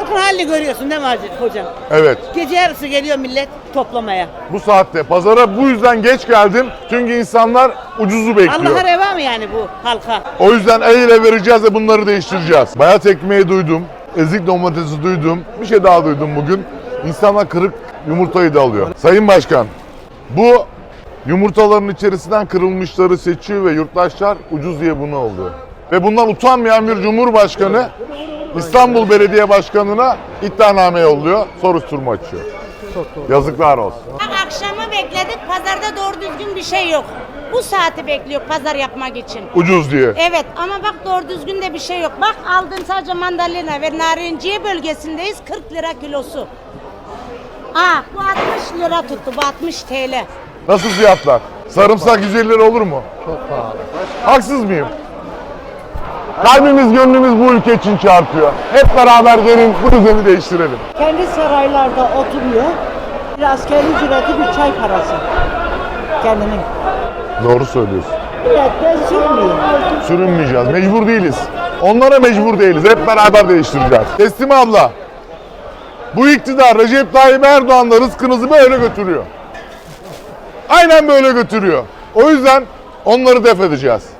Halkın halini görüyorsun değil mi hocam? Evet. Gece yarısı geliyor millet toplamaya. Bu saatte pazara bu yüzden geç geldim. Çünkü insanlar ucuzu bekliyor. Allah'a reva mı yani bu halka? O yüzden el ele vereceğiz ve bunları değiştireceğiz. Bayat ekmeği duydum. Ezik domatesi duydum. Bir şey daha duydum bugün. İnsanlar kırık yumurtayı da alıyor. Sayın Başkan, bu yumurtaların içerisinden kırılmışları seçiyor ve yurttaşlar ucuz diye bunu alıyor. Ve bundan utanmayan bir cumhurbaşkanı İstanbul Belediye Başkanı'na iddianame yolluyor, soruşturma açıyor. Yazıklar olsun. Akşamı bekledik, pazarda doğru düzgün bir şey yok. Bu saati bekliyor pazar yapmak için. Ucuz diye. Evet ama bak doğru düzgün de bir şey yok. Bak aldığım sadece mandalina ve narinciye bölgesindeyiz 40 lira kilosu. Bu 60 lira tuttu, bu 60 TL. Nasıl fiyatlar? Sarımsak 150 lira olur mu? Çok pahalı. Haksız mıyım? Kalbimiz gönlümüz bu ülke için çarpıyor. Hep beraber gelin bu düzeni değiştirelim. Kendi saraylarda oturuyor. Bir askeri ücreti, bir çay parası. Kendinin. Doğru söylüyorsun. Milletten sürmüyor. Sürünmeyeceğiz. Mecbur değiliz. Onlara mecbur değiliz. Hep beraber değiştireceğiz. Teslime abla. Bu iktidar Recep Tayyip Erdoğan'la rızkınızı böyle götürüyor. Aynen böyle götürüyor. O yüzden onları def edeceğiz.